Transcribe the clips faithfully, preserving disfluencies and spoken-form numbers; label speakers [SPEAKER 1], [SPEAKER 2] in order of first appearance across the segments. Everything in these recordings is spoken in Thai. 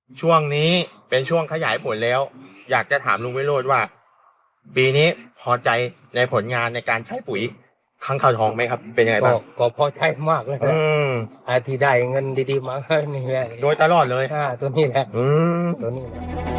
[SPEAKER 1] ช่วงนี้เป็นช่วงขยายผลแล้ว อยากจะถามลุงวิโรจน์ว่า ปีนี้พอใจในผลงานในการใช้ปุ๋ยค้างคาวทองไหมครับ เป็นยังไง
[SPEAKER 2] ก็
[SPEAKER 1] บ้าง
[SPEAKER 2] ก็พอใช้มากเลย
[SPEAKER 1] อื
[SPEAKER 2] นะ
[SPEAKER 1] ม
[SPEAKER 2] ไอ้ที่ได้เงินดีๆมานี่แหละ
[SPEAKER 1] โดยตลอดเลย
[SPEAKER 2] อ่าตัวนี้แหละ
[SPEAKER 1] อืม
[SPEAKER 2] ตัวนี้แหละ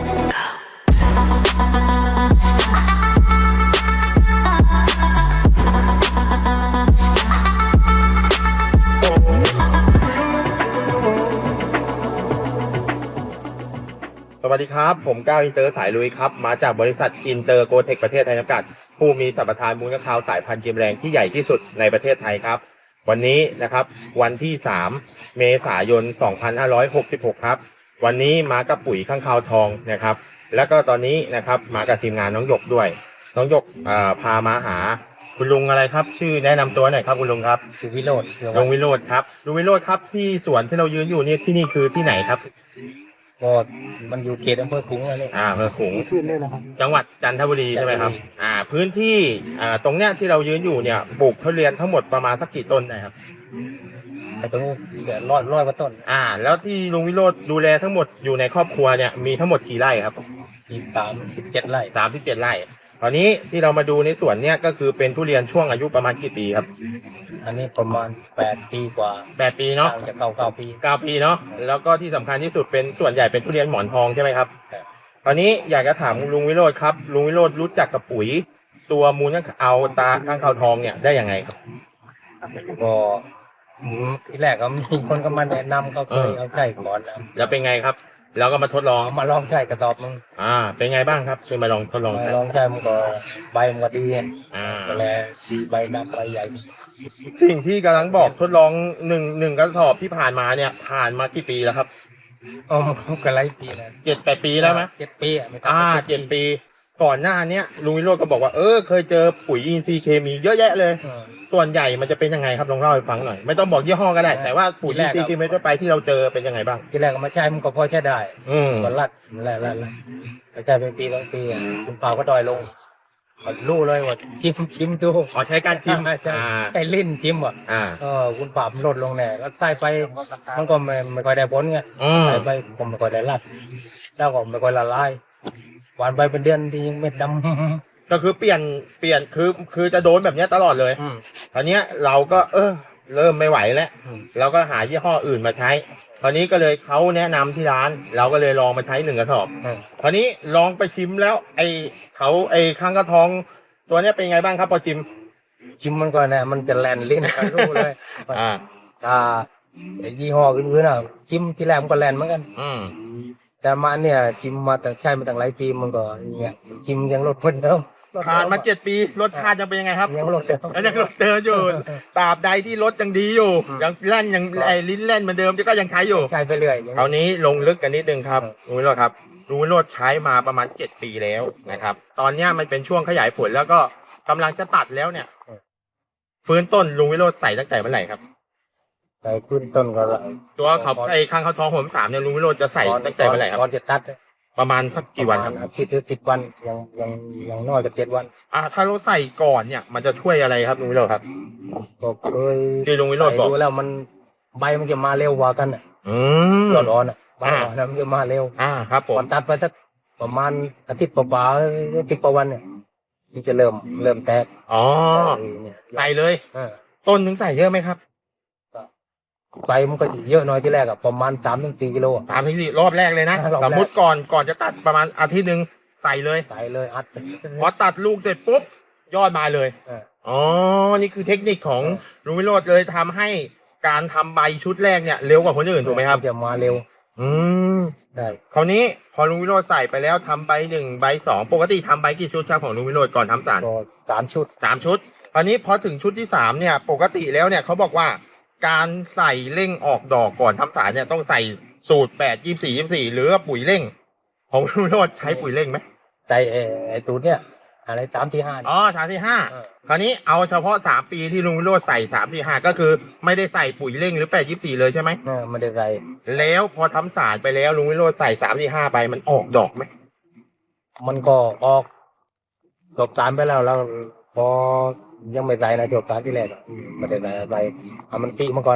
[SPEAKER 1] สวัสดีครับ ผมก้าวอินเตอร์สายลุยครับ มาจากบริษัทอินเตอร์โกเทคประเทศไทยจำกัด ผู้มีสัมปทานมูลค้างคาวสายพันธุ์เกมแรงที่ใหญ่ที่สุดในประเทศไทยครับ วันนี้นะครับวันที่สามเมษายนสองพันห้าร้อยหกสิบหกครับ วันนี้มากับปุ๋ยข้างคาวทองนะครับ แล้วก็ตอนนี้นะครับมากับทีมงานน้องหยกด้วย น้องหยกอ่าพามาหาคุณลุงอะไรครับ ชื่อแนะนำตัวหน่อยครับคุณลุงครับ
[SPEAKER 2] สุวิโรจน์
[SPEAKER 1] ลุงวิโรจน์ครับลุงวิโรจน์ครับที่สวนที่เรายืนอยู่นี่ที่นี่คือที่ไหนครับ
[SPEAKER 2] ก็มันอยู่เขตอำเภอขลุงอะไร
[SPEAKER 1] อ่าอำเภอขลุง
[SPEAKER 2] ขึ้นเลยนะครับ
[SPEAKER 1] จังหวัดจันทบุรีใช่ไหมครับ
[SPEAKER 2] จันทบุรี
[SPEAKER 1] อ่า พื้นที่ อ่า ตรงเนี้ยที่เรายืนอยู่เนี่ย ปลูกทุเรียนทั้งหมดประมาณสักกี่ต้นนะครับ
[SPEAKER 2] ไอ้ตรงนี้เดี๋ยวร้อยร้อยกว่าต้น
[SPEAKER 1] อ่า แล้วที่ลุงวิโรจน์ดูแลทั้งหมดอยู่ในครอบครัวเนี่ย มีทั้งหมดกี่ไร่ครับ
[SPEAKER 2] อีกสามสิบเจ็ดไร่
[SPEAKER 1] สามสิบเจ็ดไร่ ตอนนี้ที่เรามาดูในสวนเนี่ยก็คือเป็นทุเรียนช่วงอายุประมาณกี่ปีครับ
[SPEAKER 2] อันนี้ประมาณแปดปีกว่า
[SPEAKER 1] แปดปีเนาะ
[SPEAKER 2] ห่างจากเก้าเก้าปี
[SPEAKER 1] เก้าปีเนาะ แล้วก็ที่สำคัญที่สุดเป็นส่วนใหญ่เป็นทุเรียนหมอนทองใช่ไหมครับ ตอนนี้อยากจะถามลุงวิโรจน์ครับ ลุงวิโรจน์รู้จักกับปุ๋ย ตัวมูลค้างเอาตาข้างคาวทองเนี่ยได้ยังไงครับ
[SPEAKER 2] ก็อืมทีแรกก็มีคนก็มาแนะนำก็เคย
[SPEAKER 1] เออ
[SPEAKER 2] เอาใช้ก่อนนะ
[SPEAKER 1] แล้วเป็นไงครับ แล้วก็มาทดลอง
[SPEAKER 2] เอามาลองใช้กระสอบมึง
[SPEAKER 1] อ่า เป็นไงบ้างครับคือมาลองทดลอง
[SPEAKER 2] มา
[SPEAKER 1] ใช้
[SPEAKER 2] ลองใช้มันก็ใบมันก็ดี
[SPEAKER 1] อ่า
[SPEAKER 2] ก็แลสีใบดำใบใหญ่
[SPEAKER 1] สิ่งที่กำลังบอกทดลองหนึ่งหนึ่งกระสอบที่ผ่านมาเนี่ย ผ่านมากี่ปีแล้วครับ
[SPEAKER 2] อ๋อมันก็หลายปีแล้ว
[SPEAKER 1] เจ็ดแปดปีแล้วไหม
[SPEAKER 2] เจ็ดปีอ่ะไม่ต่ำ
[SPEAKER 1] อ่าก
[SPEAKER 2] ว่า
[SPEAKER 1] เจ็ดปี ก่อนหน้าเนี้ยลุงวิโรจน์ก็บอกว่าเออเคยเจอปุ๋ยอินทรีย์เคมีเยอะแยะเลย
[SPEAKER 2] เออ
[SPEAKER 1] ส่วนใหญ่มันจะเป็นยังไงครับลองเล่าให้ฟังหน่อย ไม่ต้องบอกยี่ห้อก็ได้ แต่ว่าปุ๋ยอินทรีย์เคมีทั่วไปที่เราเจอเป็นยังไงบ้าง
[SPEAKER 2] ทีแรกก็มาใช้มันก็พอใช้ได้
[SPEAKER 1] อืม
[SPEAKER 2] ก็รัดแล่แล่แล่แต่ใช้เป็นปีสองปีอ่ะคุณเปาก็ดอยลงก็รู้เลยว่าชิมชิมดู
[SPEAKER 1] ขอใช้การพิมพ์
[SPEAKER 2] ใช่
[SPEAKER 1] อ่า
[SPEAKER 2] ใช้ลิ้นชิมอ่ะ
[SPEAKER 1] อ่า
[SPEAKER 2] เออคุณปราบมันลดลงแน่แล้วใส่ไปมันก็ไม่ไม่ค่อยได้ผลไง
[SPEAKER 1] อืม
[SPEAKER 2] ใส่ไปก็ไม่ค่อยได้รัดแล้วก็ไม่ค่อยละลายหวานไปเป็นเดือนที่ยังเม็ดดำ
[SPEAKER 1] ก็คือเปลี่ยนเปลี่ยนคือคือจะโดนแบบเนี้ยตลอดเลย
[SPEAKER 2] อืม
[SPEAKER 1] ตอนเนี้ยเราก็เออเริ่มไม่ไหวแล้ว
[SPEAKER 2] อืม
[SPEAKER 1] เราก็หายี่ห้ออื่นมาใช้ ตอนนี้ก็เลยเขาแนะนำที่ร้าน เราก็เลยลองมาใช้หนึ่งกระสอบ
[SPEAKER 2] อืม
[SPEAKER 1] ตอนนี้ลองไปชิมแล้ว ไอเขาไอข้างกระทอง ตัวเนี้ยเป็นไงบ้างครับพอชิม
[SPEAKER 2] ชิมมันก็เนี่ยมันจะแลนลิ้นกันรู้เลย
[SPEAKER 1] อ่า
[SPEAKER 2] อ่าไอ้ยี่ห้ออื่นๆน่ะชิมที่แรกมันก็แลนเหมือนกัน
[SPEAKER 1] อืม
[SPEAKER 2] แต่มาเนี่ยชิมมาแต่ใช้มาตั้งหลายปีมันก็เนี่ยชิมยังลดเหมือนเดิมลด
[SPEAKER 1] ผ่านมา
[SPEAKER 2] ดิ
[SPEAKER 1] เจ็ดปีรสชาติยังเป็นยังไงครับ
[SPEAKER 2] ยังลดเดิม
[SPEAKER 1] ยังรสเดิมอยู่ตราบใดที่รสยังดีอยู่
[SPEAKER 2] อืม
[SPEAKER 1] ยังแล่นยังไอลิ้นแล่นเหมือนเดิมก็ยังใช้อยู่
[SPEAKER 2] ใช้ไปเรื่อยอย่าง
[SPEAKER 1] ครา
[SPEAKER 2] นี้
[SPEAKER 1] วนี้ลงลึกกันนิดนึงครับลุงวิโรจน์ครับลุงวิโรจน์ใช้มาประมาณเจ็ดปีแล้วนะครับ ตอนเนี้ยมันเป็นช่วงขยายผลแล้วก็กำลังจะตัดแล้วเนี่ย ฟื้นต้นลุงวิโรจน์ใส่ตั้งแต่เมื่อไหร่ครับ
[SPEAKER 2] ใส่ขึ้นต้นก็ละ
[SPEAKER 1] ตัวเขาไอ้ข้างเขาท้องผมสามเนี่ยลุงวิโรจน์จะใส่ตั้งแต่เมื่อไหร่ครับ
[SPEAKER 2] ก่อนจะตัด
[SPEAKER 1] ประมาณสักกี่วันครับ
[SPEAKER 2] ประมาณอาทิตย์หรือสิบวันยังยังยังน้อยกับเจ็ดวัน
[SPEAKER 1] อ่าถ้าเราใส่ก่อนเนี่ย มันจะช่วยอะไรครับลุงวิโรจน์ครับ
[SPEAKER 2] ก็เคย
[SPEAKER 1] ที่ลุงวิโรจน์บอก
[SPEAKER 2] ดูแล้วมันใบมันจะมาเร็วกว่ากันอ่ะ
[SPEAKER 1] อืม
[SPEAKER 2] ร้อนๆอ่ะใบ
[SPEAKER 1] อ่า
[SPEAKER 2] ร้อนๆมันจะมาเร็ว
[SPEAKER 1] อ่าครับผ
[SPEAKER 2] ก่อ
[SPEAKER 1] ม
[SPEAKER 2] นตัดไปสักประมาณอาทิตย์กว่าๆอาทิตย์กว่าวันเนี่ยมันจะเริ่มเริ่มแตก
[SPEAKER 1] อ๋อ
[SPEAKER 2] เนี่ย
[SPEAKER 1] ใส่เลย
[SPEAKER 2] เออ
[SPEAKER 1] ต้นถึงใส่เยอะไหมครับ
[SPEAKER 2] ใบมันก็จะเยอะหน่อยที่แรกอะประมาณสามถึงสี่กิโลอะ
[SPEAKER 1] สามถึงสี่รอบแรกเลยนะ
[SPEAKER 2] รอบแรก
[SPEAKER 1] สมมติก่อนก่อนจะตัดประมาณอาทิตย์หนึ่งใส่เลย
[SPEAKER 2] ใส่เลยอัด
[SPEAKER 1] พอตัดลูกเสร็จปุ๊บยอดมาเลย
[SPEAKER 2] เออ
[SPEAKER 1] อ๋อ นี่คือเทคนิคของ
[SPEAKER 2] เออ
[SPEAKER 1] ลุงวิโรจน์เลยทำให้การทำใบชุดแรกเนี่ยเร็วกว่าคนอื่นถูกไหมครับ
[SPEAKER 2] นจะมาเร็ว
[SPEAKER 1] อืม
[SPEAKER 2] ได้
[SPEAKER 1] คราวนี้พอลุงวิโรจน์ใส่ไปแล้วทำใบหนึ่งใบสองปกติทำใบกี่ชุดครับของลุงวิโรจน์ก่อนทำสาร
[SPEAKER 2] ก็สามชุด
[SPEAKER 1] สามชุดคราวนี้พอถึงชุดที่สามเนี่ย ปกติแล้วเนี่ยเขาบอกว่า การใส่เร่งออกดอกก่อนทำสารเนี่ยต้องใส่สูตรแปดยี่สี่ยี่สี่หรือว่าปุ๋ยเร่ง ของลุงวิโรจน์ใช้ปุ๋ยเร่งไหม
[SPEAKER 2] ใส่ไอ้ไอ้สูตรเนี่ยอะไรสามที่ห้า
[SPEAKER 1] อ๋อสามที่ห้า
[SPEAKER 2] เออ
[SPEAKER 1] คราวนี้เอาเฉพาะสามปีที่ลุงวิโรจน์ใส่สามที่ห้าก็คือไม่ได้ใส่ปุ๋ยเร่งหรือแปดยี่สี่เลยใช่ไหม
[SPEAKER 2] เออไม่ได้ใส่
[SPEAKER 1] แล้วพอทำสารไปแล้วลุงวิโรจน์ใส่สามที่ห้าไปมันออกดอกไหม
[SPEAKER 2] มันก็ออกจบสารไปแล้วแล้วพอยังไม่ใส่นะจบสารที่แรกอะอืมไม่ได้ใส่ใส่เอามันปีมาก่อนอะ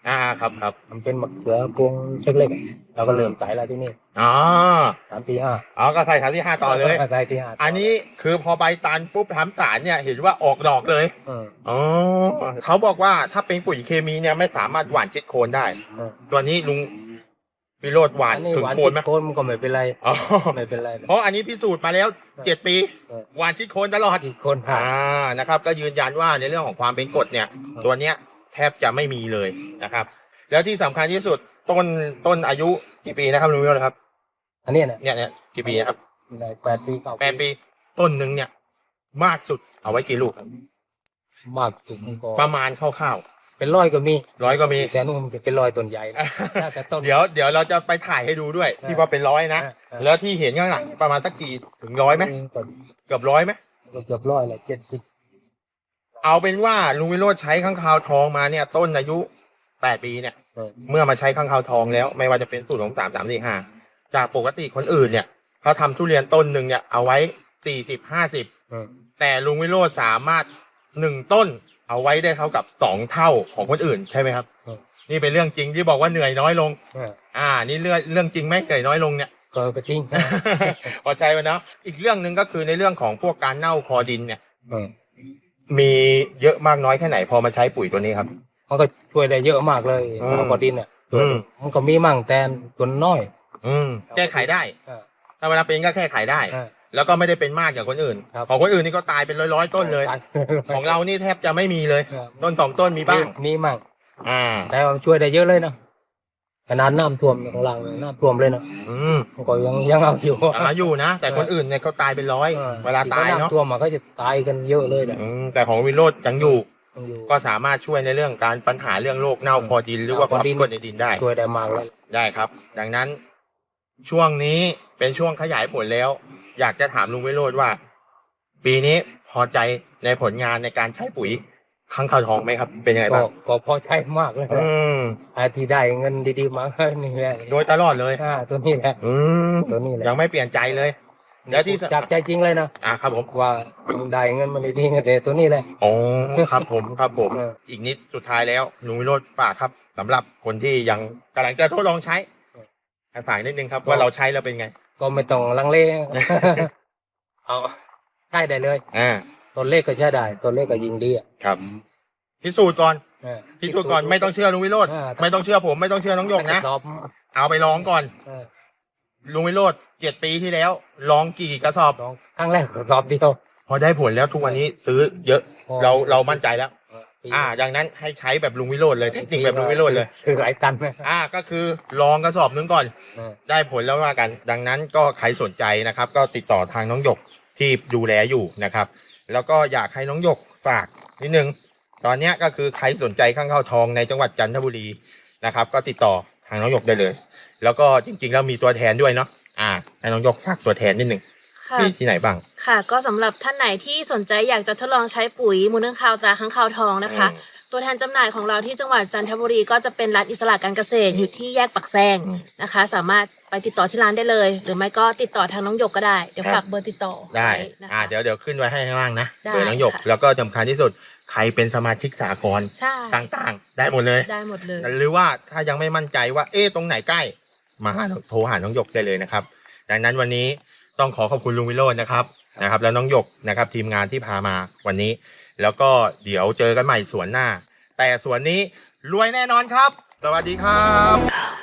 [SPEAKER 1] อ่าครับครับ
[SPEAKER 2] มันเป็นมะเขือพวงเล็กๆเราก็เริ่มใส่แล้วที่นี่
[SPEAKER 1] อ๋อ
[SPEAKER 2] สามที่ห้า
[SPEAKER 1] อ๋อก็ใส่ฐานที่ห้าต่อเลย
[SPEAKER 2] ใส่ที่ห้า
[SPEAKER 1] อันนี้คือพอใบตันปุ๊บทำสารเนี่ยเห็นว่าออกดอกเลย
[SPEAKER 2] เออ
[SPEAKER 1] อ๋อเขาบอกว่าถ้าเป็นปุ๋ยเคมีเนี่ยไม่สามารถหว่านชิดโคนได้
[SPEAKER 2] เออ
[SPEAKER 1] ตัวนี้ลุงวิโรจน์หวาน
[SPEAKER 2] อันนี้
[SPEAKER 1] ถึง
[SPEAKER 2] หวาน
[SPEAKER 1] โคน
[SPEAKER 2] ติ
[SPEAKER 1] ไหม
[SPEAKER 2] ดโคนมันก็ไม่เป็นไร
[SPEAKER 1] อ๋อ
[SPEAKER 2] ไม่เป็นไร
[SPEAKER 1] เพราะอันนี้พิสูจน์มาแล้วเจ็ดปี
[SPEAKER 2] เออ
[SPEAKER 1] หวานชิดโคนตลอด
[SPEAKER 2] ติดโคนผ่าน
[SPEAKER 1] อ่านะครับ ก็ยืนยันว่าในเรื่องของความเป็นกรดเนี่ย ตัวเนี้ยแทบจะไม่มีเลยนะครับ แล้วที่สำคัญที่สุดต้นต้นอายุกี่ปีนะครับลุงวิโรจน์ครับ
[SPEAKER 2] อันเนี้ยเนี่ย
[SPEAKER 1] เนี่ยเนี่ยกี่ปีนะครับ
[SPEAKER 2] ได้แปดปีเก้า
[SPEAKER 1] แปดปีต้นหนึ่งเนี่ย มากสุดเอาไว้กี่ลูกครับ
[SPEAKER 2] มากถึงก็
[SPEAKER 1] ประมาณคร่าว
[SPEAKER 2] เป็นร้อยก็มี
[SPEAKER 1] ๆร้อยก็มี
[SPEAKER 2] แต่นู่นมันจะเป็นร้อยต้นใหญ่นะถ้าแต่ต้น
[SPEAKER 1] เดี๋ยวเดี๋ยวเราจะไปถ่ายให้ดูด้วย ที่ว่าเป็นร้อยนะ
[SPEAKER 2] เออเออ
[SPEAKER 1] แล้วที่เห็นข้างหลังประมาณสักกี่ถึงร้อยไหม
[SPEAKER 2] ก็
[SPEAKER 1] เกือบร้อยไหม
[SPEAKER 2] เกือบร้อยเลยเจ็ดสิบ
[SPEAKER 1] เอาเป็นว่าลุงวิโรจน์ใช้ข้างคาวทองมาเนี่ย ต้นอายุแปดปีเนี่ย
[SPEAKER 2] เออ
[SPEAKER 1] เมื่อมาใช้ข้างคาวทองแล้วไม่ว่าจะเป็นสูตรของสามสามสี่ห้าจากปกติคนอื่นเนี่ยเขาทำทุเรียนต้นหนึ่งเนี่ยเอาไว้สี่สิบห้าสิบ
[SPEAKER 2] เออ
[SPEAKER 1] แต่ลุงวิโรจน์สามารถหนึ่งต้นเอาไว้ได้เท่ากับสองเท่าของคนอื่นใช่ไหมครับ
[SPEAKER 2] เออ
[SPEAKER 1] นี่เป็นเรื่องจริงที่บอกว่าเหนื่อยน้อยลง
[SPEAKER 2] เออ
[SPEAKER 1] อ่า นี่เรื่องเรื่องจริงไหมเหนื่อยน้อยลงเนี่ย
[SPEAKER 2] ก็ก็จริง
[SPEAKER 1] พอใจไหมเนาะอีกเรื่องหนึ่งก็คือในเรื่องของพวกการเน่าคอดินเนี่ย
[SPEAKER 2] เออ
[SPEAKER 1] มีเยอะมากน้อยแค่ไหนพอมาใช้ปุ๋ยตัวนี้ครับ
[SPEAKER 2] มันก็ช่วยได้เยอะมากเลย
[SPEAKER 1] อืม
[SPEAKER 2] แล้วก็ดินเนี่ย
[SPEAKER 1] อืม
[SPEAKER 2] มันก็มีมั่งแต่ส่วนน้อย
[SPEAKER 1] อืมแก้ไขได้
[SPEAKER 2] เออ
[SPEAKER 1] ถ้าเวลาเป็นก็แก้ไขได้
[SPEAKER 2] เออ
[SPEAKER 1] แล้วก็ไม่ได้เป็นมากอย่างคนอื่น
[SPEAKER 2] ครับ
[SPEAKER 1] ของคนอื่นนี่ก็ตายเป็นร้อยๆต้นเลย ของเรานี่แทบจะไม่มีเลย
[SPEAKER 2] ครับ
[SPEAKER 1] ต้นสองต้นมีบ้าง
[SPEAKER 2] มีมั่ง
[SPEAKER 1] อ่า
[SPEAKER 2] แต่ว่าช่วยได้เยอะเลยนะขนาดน้ำท่วมของเราเนี่ยน้ำท่วมเลยนะ
[SPEAKER 1] อืม
[SPEAKER 2] มันก็ยังยังเอาอยู่
[SPEAKER 1] อาอยู่นะ แต่คนอื่นเนี่ยเขาตายเป็นร้อย
[SPEAKER 2] ออ
[SPEAKER 1] เวลาตายเนาะ
[SPEAKER 2] น้ำท่วมมันก็จะตายกันเยอะเลยแหละ
[SPEAKER 1] อืมแต่ของวิโรจน์ยังอยู่
[SPEAKER 2] ยังอยู่
[SPEAKER 1] ก็สามารถช่วยในเรื่องการปัญหาเรื่องโรคเน่าคอดิน หรือว่าความกรดในดินได้
[SPEAKER 2] ช่วยได้มากเลย
[SPEAKER 1] ได้ครับ ดังนั้นช่วงนี้เป็นช่วงขยายผลแล้ว อยากจะถามลุงวิโรจน์ว่า ปีนี้พอใจในผลงานในการใช้ปุ๋ยข้างคาวทองไหมครับ เป็นยังไง
[SPEAKER 2] ก็
[SPEAKER 1] บ้าง
[SPEAKER 2] ก็พอใช้มากเลย
[SPEAKER 1] อืม
[SPEAKER 2] ไอ้ที่ได้เงินดีๆมานี่แหละ
[SPEAKER 1] โดยตลอดเลย
[SPEAKER 2] อ่าตัวนี้แหละ
[SPEAKER 1] อืม
[SPEAKER 2] ตัวนี้แหละ
[SPEAKER 1] ยังไม่เปลี่ยนใจเลย แล้วที่
[SPEAKER 2] จากใจจริงเลยนะ
[SPEAKER 1] อ่าครับผม
[SPEAKER 2] ว่าได้เงินมาดีๆแต่ตัวนี้แหละ
[SPEAKER 1] อ๋อครับผมครับผม
[SPEAKER 2] เออ
[SPEAKER 1] อีกนิดสุดท้ายแล้วลุงวิโรจน์ฝากครับสำหรับคนที่ยังกำลังจะทดลองใช้ให้ฝากนิดนึงครับว่าเราใช้แล้วเป็นไง
[SPEAKER 2] ก็ไม่ต้องลังเล เอาใช้ได้เลย
[SPEAKER 1] อ่า
[SPEAKER 2] ตัวเลขก็ใช้ได้ตัวเลขก็ยิงดีอ่ะ
[SPEAKER 1] ครับพิสูจน์ก่อน
[SPEAKER 2] เออ
[SPEAKER 1] พิสูจน์ก่อนไม่ต้องเชื่อลุงวิโรจน์
[SPEAKER 2] อ่า
[SPEAKER 1] ไม่ต้องเชื่อผมไม่ต้องเชื่อน้องหยกนะ
[SPEAKER 2] ตอบ
[SPEAKER 1] เอาไปลองก่อน
[SPEAKER 2] เออ
[SPEAKER 1] ลุงวิโรจน์เจ็ดปีที่แล้วลองกี่กระสอบ
[SPEAKER 2] ลองครั้งแรกตอบเดียว
[SPEAKER 1] พอได้ผลแล้วทุกวันนี้ซื้อเยอะ
[SPEAKER 2] พอ
[SPEAKER 1] เราเรามั่นใจแล้ว
[SPEAKER 2] เออปี
[SPEAKER 1] อ่า ดังนั้นให้ใช้แบบลุงวิโรจน์เลยเทคนิคแบบลุงวิโรจน์เลย
[SPEAKER 2] คือหลายตันไหม
[SPEAKER 1] อ่าก็คือลองกระสอบนึงก่อน
[SPEAKER 2] เออ
[SPEAKER 1] ได้ผลแล้วว่ากัน ดังนั้นก็ใครสนใจนะครับ ก็ติดต่อทางน้องหยกที่ดูแลอยู่นะครับ แล้วก็อยากให้น้องหยกฝากนิดนึง ตอนเนี้ยก็คือใครสนใจข้างเข้าวทองในจังหวัดจันทบุรีนะครับ ก็ติดต่อทางน้องหยกได้เลย แล้วก็จริงๆแล้วมีตัวแทนด้วยเนาะอ่าให้น้องหยกฝากตัวแทนนิดนึง
[SPEAKER 3] ค่ะ
[SPEAKER 1] มีที่ไหนบ้าง
[SPEAKER 3] ค่ะ ก็สำหรับท่านไหนที่สนใจอยากจะทดลองใช้ปุ๋ยมูลค้างคาวตราค้างคาวทองนะคะ
[SPEAKER 1] อืม
[SPEAKER 3] ตัวแทนจำหน่ายของเราที่จังหวัดจันทบุรีก็จะเป็นร้านอิสระการเกษตรอยู่ที่แยกปักแซง
[SPEAKER 1] อืม
[SPEAKER 3] นะคะ สามารถไปติดต่อที่ร้านได้เลย หรือไม่ก็ติดต่อทางน้องหยกก็ได้ เดี๋ยว
[SPEAKER 1] ครับ
[SPEAKER 3] ฝากเบอร์ติดต่อ
[SPEAKER 1] ได้
[SPEAKER 3] ว้นะคะ
[SPEAKER 1] อ่าเดี๋ยวเดี๋ยวขึ้นไว้ให้ข้างล่างนะ
[SPEAKER 3] ได้
[SPEAKER 1] เบอร์น้องหยก
[SPEAKER 3] ค่ะ
[SPEAKER 1] แล้วก็สำคัญที่สุดใครเป็นสมาชิกสากล
[SPEAKER 3] ใช่
[SPEAKER 1] ต่างๆ ได้หมดเลย
[SPEAKER 3] ได้หมดเลย
[SPEAKER 1] หรือว่าถ้ายังไม่มั่นใจว่าเอ๊ะตรงไหนใกล้มาหาโทรหาน้องหยกได้เลยนะครับ ดังนั้นวันนี้ต้องขอขอบคุณลุงวิโรจน์นะครับนะครับ แล้วน้องหยกนะครับ ทีมงานที่พามาวันนี้ แล้วก็เดี๋ยวเจอกันใหม่สวนหน้า แต่สวนนี้รวยแน่นอนครับ สวัสดีครับ